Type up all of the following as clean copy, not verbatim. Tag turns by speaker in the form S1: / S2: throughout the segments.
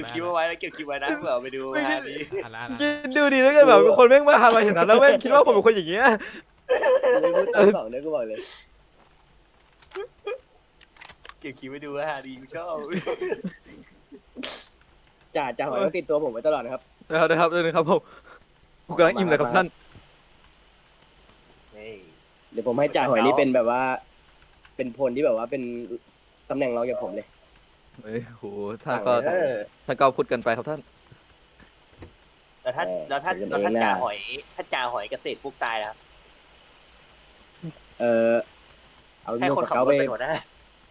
S1: คลิปเอาไว้แล้วเก็บคลิปไว้นะเผื่อเอาไปดูงานนี้
S2: คิดดูดิแล้วกันแบบคนแม่งมาทำอะไรเห็นนั้นแล้วแม่งคิดว่าผมเป็นคนอย่างเงี้ย
S3: ไม่พูดตามสองเนี่ยกูบอกเลย
S1: เก็บคลิปไว้ดูฮะดีกูชอบ
S3: จ่าหอยต้องติดตัวผมไว้ตลอดนะครับ
S2: นะครับผมกำลังอิ่มเลยครับท่าน
S1: เฮ้ย
S3: เดี๋ยวผมให้จ่าหอยนี่เป็นแบบว่า เป็นพลที่แบบว่าเป็นตำแหน่งรองจากผมเลย
S2: เฮ้ยโหท่านก็พูดกันไปครับท่าน
S1: แล้วท่านจ่าหอยเกษตรพวกตายแล้ว
S3: เอา
S1: ให้
S3: ลูก
S1: คน
S3: ส
S1: ขับ
S3: เการ
S1: ถ
S3: ไป
S1: เป็นหัวหน้า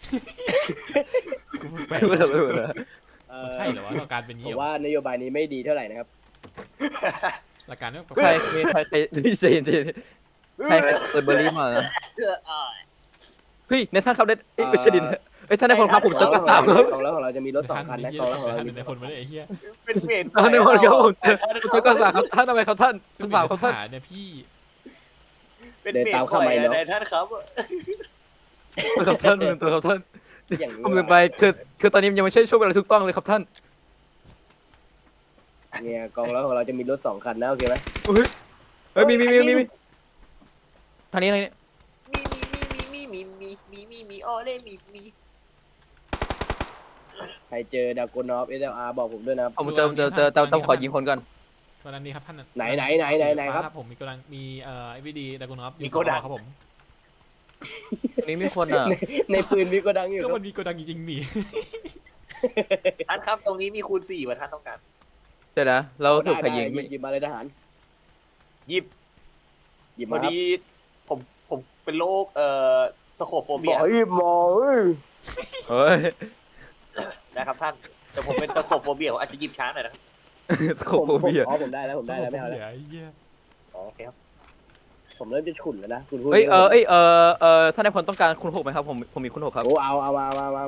S4: แปลก
S2: ไม่ได้ไม่ได้
S4: ใช่เหรอวะหลักการเป็น
S3: ผ
S4: งี้
S3: ม
S4: เหรอ
S3: ว่านโยบายนี้ไม่ดีเท่าไหร่นะครับ
S4: หลักการไม่
S2: ใครเจนเปิดเบอร์รี่มาเฮ้ยในท่านครับได้ไม่ใช่ดินเฮ้ยท่านได้คนพาผมเจอกระสามครับ
S3: กองแล้วของเราจะมีรถสองคันนะกองแล้วของเรา
S4: ท่าน
S3: มี
S4: ในคนไม่ได้ไอ้เหี้ย
S1: เป็นเวร
S2: ท่านได้คนครับผมเจอกระสามครับท่านทำไมครับท่าน
S4: เป็น
S2: ถามครับท่าน
S4: เนี่ยพี่
S1: เป็นเวรปล่อยอะไรท่านครับ
S2: ครับท่านตัวครับท่าน
S3: อย่างนี้
S2: ผมลืมไปคือตอนนี้ยังไม่ใช่ช่วงเวลาถูกต้องเลยครับท่าน
S3: เนี่ยกองแล้วของเราจะมีรถสองคันนะโอเคไหม
S2: เฮ้ยมีทางนี้อะไรเนี่ย
S1: มีอ้อเล่มี
S3: ใครเจอดากอนอฟSLR บอกผมด้วยนะครับ
S2: ผมเจอต้องขอยิงคนก่อน
S4: ตอนนั้นนี่ครับท่าน
S3: ไหนครับ
S4: ผมมีกำลังมีไอวีดีดากอนอฟครับผม
S2: นี่มีคนอ่ะ
S3: ในปืนมีโกดังอยู่
S4: ก็
S3: ครั
S4: มั
S3: บ
S4: นมีโกดังจริงๆนี่
S1: ท่านครับตรงนี้มีคูณ4ว่าท่านต้องการ
S2: เดี๋ยวนะเราถูกใครยิง
S3: หยิบมาเลยทหาร
S1: หยิบ
S3: หยิบ
S1: พ
S3: มา
S1: อ
S3: ครับ
S1: ดีผมเป็นโรคสโคปโฟ
S3: บ
S1: เบีย
S3: อกหยิบมาเอ้ย
S2: เฮ้ย
S1: นะครับท่านแต่ผมเป็นสโคปโฟเบียผมอาจจะหยิบช้าหน่อยนะ
S2: โคโบเบีย
S3: ผมได้แล้วไม่เอาแล้ว
S4: ไอ้เหี้ย
S1: โอเคครับ
S3: ผมเริ่มจะฉุนแล้วนะคุณพูด
S2: เฮ้ยท่านนายพลต้องการคุณหกไหมครับผมมีคุณหกครับ
S3: โอ้เอามา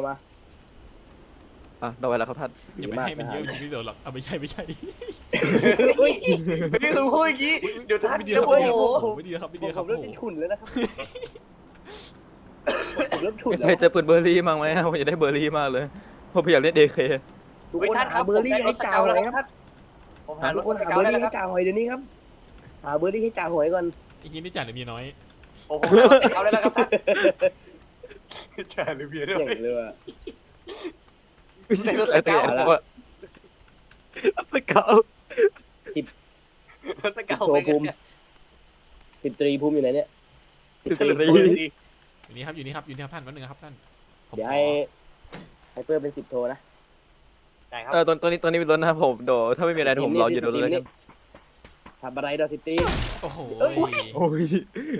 S2: อ่ะเราไว้แล้วครับท่าน
S4: อย่าไปให้มันเยอะอย่างนี้เดี๋ยวหรอกเอาไม่ใช่
S1: นี่คือพูดอย่างนี้เดี๋ยวท่าน
S4: ไม่ดี
S1: เดี๋
S4: ค
S1: ย
S4: รั
S1: ว
S4: บ
S1: โอ้โห
S4: ไม่ดีครับไม่ดีครับ
S3: ผมเริ่มจะฉุนแล้วนะครับผมเริ่มฉุน
S2: มี
S3: แล้
S2: ใคว รเจอปืนเบอร์รี่มั้งไหมผมอยากได้เบอร์รี่มากเลยผมอยากเล่นเดเค
S3: ทุก
S1: เฮ้ย
S3: คน
S1: ท่านค
S3: หา
S1: รับ
S3: เบอร์รี่ให้จ่าห
S1: แล้
S3: อ
S1: วย ค
S3: ค
S1: รั
S3: รั
S1: บบ ผมหาร
S3: ทุ
S1: ถ
S3: กคน
S1: ส
S3: หา
S1: เกา
S3: เบอร์
S1: ได้
S3: รี่
S1: แล้ว
S3: ให้
S1: ครับ
S3: จ่าหอยเดี๋ยวนี้ครับหาเบอร์รี่ให้จ่าหอยก่อน
S4: ไอ้เหี้ยนี่จ่ายแต่เมียน้อย
S1: ผมหารถสเกาได้แล้วครับท่านจ่าหรือเบียร์ด้ว
S3: เก่
S1: ย
S3: งเลยว่ะ
S1: ในรถสเกา
S2: สเการ
S1: ถสเกาไปกันเนี่ย
S3: 10 ตรีภูมิอยู่ไหนเนี่ย
S4: อยู่นี่ครับท่านวันหนึ่งครับท่าน
S3: เดี๋ยวให้เพิ่มเป็น10 โทนะ
S1: ได้ครับ
S2: ตัวนี้เป็นรถนะครับผมโดถ้าไม่มีอะไรผมรออยู่รถเลยกัน
S3: ทำอะไรดอ10 ตรี
S4: โอ้โห
S2: โอ้ย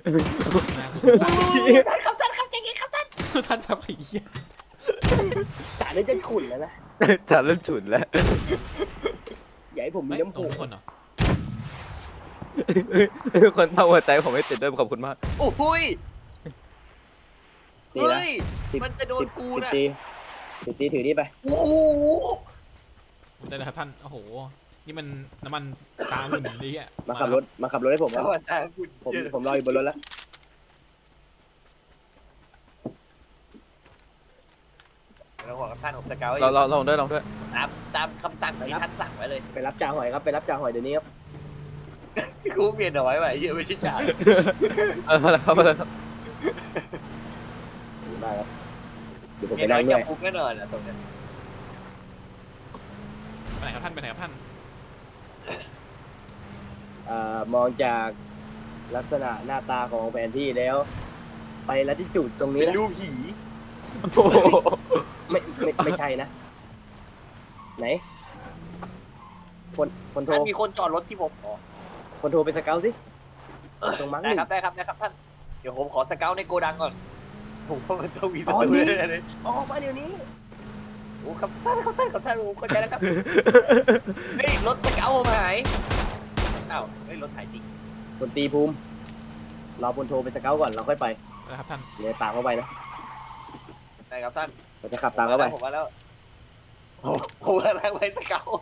S1: ท่านครับท่านครับใจเย็นครับท่าน
S4: ท่านทำไอ้เหี้ย
S3: จ่าเนี่ยจะฉุนแล้วนะ
S2: จัดเริ่มฉุนแล้ว
S3: อย่าให้ผมมี
S4: ไม่
S3: น้ำ
S4: ตร
S3: พุ
S4: งคนเหรอ
S2: คนเท่าหัวใจผมไม่ติดด้วยขอบคุณมาก
S1: โอ้โหย
S3: นี่นะ
S1: เฮ้ยมันจะโดนกูนะ
S3: 10 ตรีถือนี่ไป
S1: โอ้โห
S4: ได้แล้วครับท่านโอ้โหนี่มันน้ำมันตาหุ่นดีอ่ะ
S3: มาขับรถให้ผม
S1: ส
S3: ครับ
S1: วัสดีคุณ
S3: ผมรออยู่บนรถแล้ว
S1: เราบอกกับท่านผมสเกา
S2: เราลองด้วย
S1: ตามคำสั่งที่ท่านสั่งไว้เลย
S3: ไปรับจ่าหอยครับไปรับจ่าหอยเดี๋ยวนี้ครับ
S1: กูเปลี่ยนเอาไว้ไว้เยอะไม่ใช่จ่า
S2: มาแล้วครับ
S3: ได้ครับเดี๋ยวผม
S1: เมี
S3: ไป
S1: ยน้
S3: นั่
S1: อง ย
S3: ด้
S1: จั
S3: ว
S1: บ
S3: ย
S1: คุกแน่นอนนะตรงนี้
S4: ไปไหนครับท่าน
S3: มองจากลักษณะหน้าตาของแผนที่แล้ว ไปลัติจูดตรงนี้
S1: เป็น
S3: นะ
S1: รูปผี
S3: ไม่ใช่นะ ไหนคนโทร
S1: ท่านมีคนจอดรถที่ผมอ๋อ
S3: คนโทรไปสเกลสิตรงมั้งห
S1: ได้
S3: นึ่ง
S1: ครับได้ครับท่านเดี๋ยวผมขอสเกลในโกดังก่อนผมว่ามันต้องมีศัตรูแน่เลย
S3: ออกมาเดี๋ยวนี้
S1: โอ้ครับท่านผมเข้าใจแล้วครับนี่รถสเกลผมหายอ้าวเฮ้ยรถหายจริง
S3: คนตีภูมิรอคนโทรไปสเกลก่อนเราค่อยไป
S4: นะครับท่าน
S3: เดี๋ยวตามเข้าไปนะ
S1: ได้ครับท่าน
S3: เราจะขับตามเข้าไป
S1: ผมมาแล้วผมกำลังไปสเกล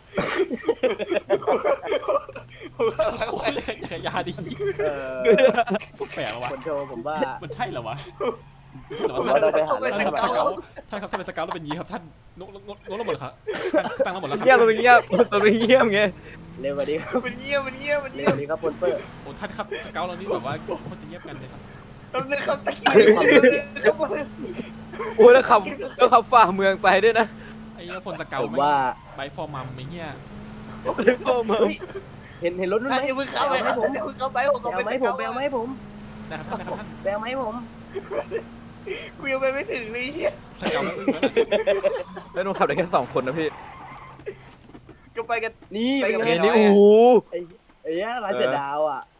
S1: ผมกำลัง
S4: โอ้
S1: ไป
S4: ยขยาดีฟุกแปลกวะ
S3: คนโทรผมว่า
S4: มันใช่เหรอวะ
S3: ผมว่าเราไปหา
S4: ท่าน
S3: เรื่อง
S4: ครับ
S3: ทำ
S4: ท่านครับท่านเป็นสเกลแล้วเป็นยีครับท่านงระเบิดครับตั้งระเบิดแล้วค
S2: เงียบ
S4: รับ
S2: ตัวเงียบตัวเงียบไง
S3: เร็วกว่านี้ครับ
S1: มันเงียบมันเงียบมัน
S3: เร็
S1: เงี
S3: วย ก
S1: บ
S3: ว่านี้ครับพลเปอร์
S4: โอ้ท่านครับสเกลเรานี่แบบว่าโคตรจะเงียบกันเลยครับ
S1: แป๊บนึงครับตะกี้
S2: โอ้ยแล้วขับฝ่าเมืองไปด้วยนะ
S4: ไอ้เหี้ยฝนสเกล
S3: ผมว่า
S4: ไบฟอร์มัมไอ้เหี้ย
S2: โอ้มา
S3: เฮ้ยเห็นรถนู้นไหม
S1: อย่าเพิ่งเข้าไป
S3: ให้ผม
S1: อย่าเพิ่งเข้าไปผม
S3: แบลไหมผมแบลไหมผม
S4: นะครับท่าน
S3: แบลไหมผม
S1: กูยังไปไม่ถึงเลยเฮีย
S4: สเกลแล้วอึ้งแล้วนะ
S2: แล้วนุ่ขับได้แค่2 คนนะพี่
S1: ก็ไปกัน
S3: นี่
S1: ไปกับ
S3: เป็น
S2: เฮ้
S3: ไง
S2: ยนี่โอ้โห
S3: ไอ้เนี้ยลายเสือดาวอ่ะ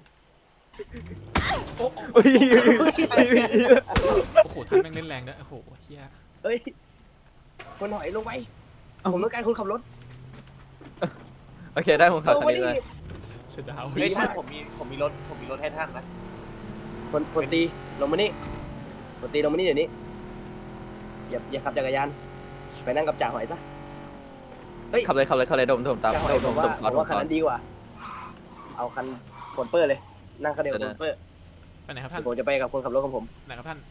S4: โอ้
S2: เฮ้ย
S4: โหท่านแม่งเล่นแรงด้วยโอ้โหเหี้ย
S3: เฮ้ยคนหอยลงไปผมต้องการคนขับรถ
S2: โอเคได้ผมขับ
S3: ลง
S2: คัน
S3: ไป
S2: นี้
S3: ดิ
S2: เลย
S4: เสียดาว
S1: เฮ้ยท่านผมมีรถให้ท่านนะ
S3: คนตีลงมานี่คนตีลงมานี่เดี๋ยวนี้อย่าขับจักรยานไปนั่งกับจ่าหอยซะ
S2: ขับเลยดมตาม
S3: จ่าหอย
S2: ด
S3: ผม
S2: ม
S3: ว่าคันนั้นดีกว่า เอาคันพลเปอร์เลย นั่งคันเดียวกับพลเปอร์
S4: ไปไหนครับท่าน
S3: ผมจะไปกับคนขับรถของผม
S4: ไหนครับท่าน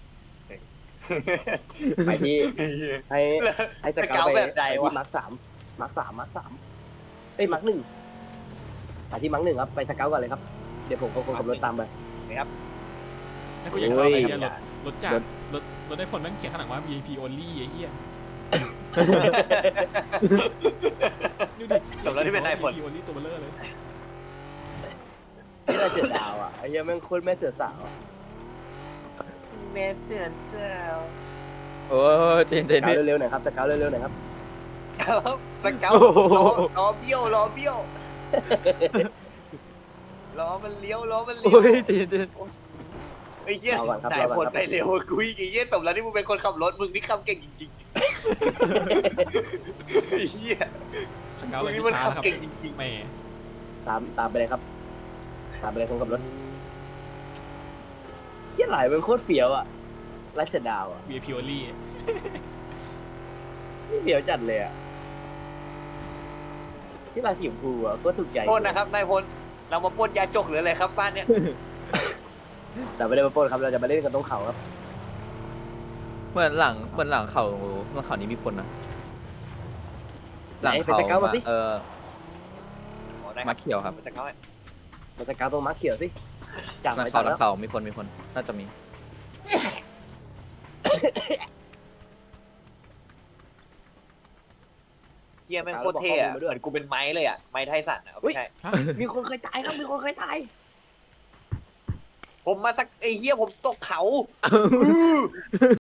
S3: ไปที่ให้สเกา
S1: สเกา
S3: ไป
S1: แบบใดวะ
S3: ที่มาร์ค 3มาร์ค เอ้ยมาร์ค 1ไปที่มาร์ค 1ครับไปสเกาก่อนเลยครับเดี๋ยวผมกับคนขับรถตามไป
S4: แล้วกูอยากจะเอาไอ้เหี้ยรถจาก
S3: รถ
S4: รถได้ผลแม่งเขียนข้างหลังว่า VIP only ไอ้เหี้ยดูดิ
S1: สำหรับที่เป็นนายพล
S4: VIP only ตัวเบลอเลย
S3: ที่เราเสือดาวอ่ะไอ้เหี้ยแม่งโคตรแม่เสือสาวอะ
S1: แม่เสือเสือ
S2: โอ้ยเจน
S3: สเกา
S2: พี่
S3: เร็วๆหน่อยครับสเกาเร็วๆหน่อยครับ
S1: สเกาล้อเบี้ยวล้อมันเลี้ยวล้อมันเลี้ยว
S2: โอ้ยเจน
S1: ไอ้เหี้ยนายพลไปเร็วกูอีกไอ้เหี้ยสมแล้วที่มึงเป็นคนขับรถมึงนี่ขับเก่งจริงๆไอ้เหี้ย
S4: สเกล
S1: มึ
S4: เล
S1: ง
S4: ย
S1: นี่
S4: ที่
S1: มัน
S4: ช้า
S1: ขับ
S4: ครับ
S1: เก่งจริง
S4: แหม
S3: ตามไปเลยครับตามไปเลยคนขับรถเหี้ยไหลเป็นโคตรเฟี้ยวอ่ะไร้เสือดาวอ่ะ
S4: VIP only
S3: นี่เฟี้ยวจัดเลยอ่ะที่ลายสีชมพูอ่ะก็ถูกใจ
S1: ๆโทษนะครับนายพลเรามาปล้นยาจกหรืออะไรครับบ้านเนี้ย
S3: แต่ไม่ได้มาปล้นครับเราจะมาเล่นกันตรงเขาครับ
S2: เหมือนหลังเขานี้มีคนนะหลังเขามาเขียวครับ
S1: สเกา
S3: มาสเกาตรงมาร์คเขียวสิจาก
S2: หลัง
S3: ไป
S2: เขา
S3: จากแล้ว
S2: มีคนน่าจะมี
S1: เฮียแม่งโคตรเท่อะเหมือนกูเป็นไม้เลยอะไม้ไทสันอะไม่ใช่
S3: มีคนเคยตายครับมีคนเคยตาย
S1: ผมมาสักไอ้เฮียผมตกเขา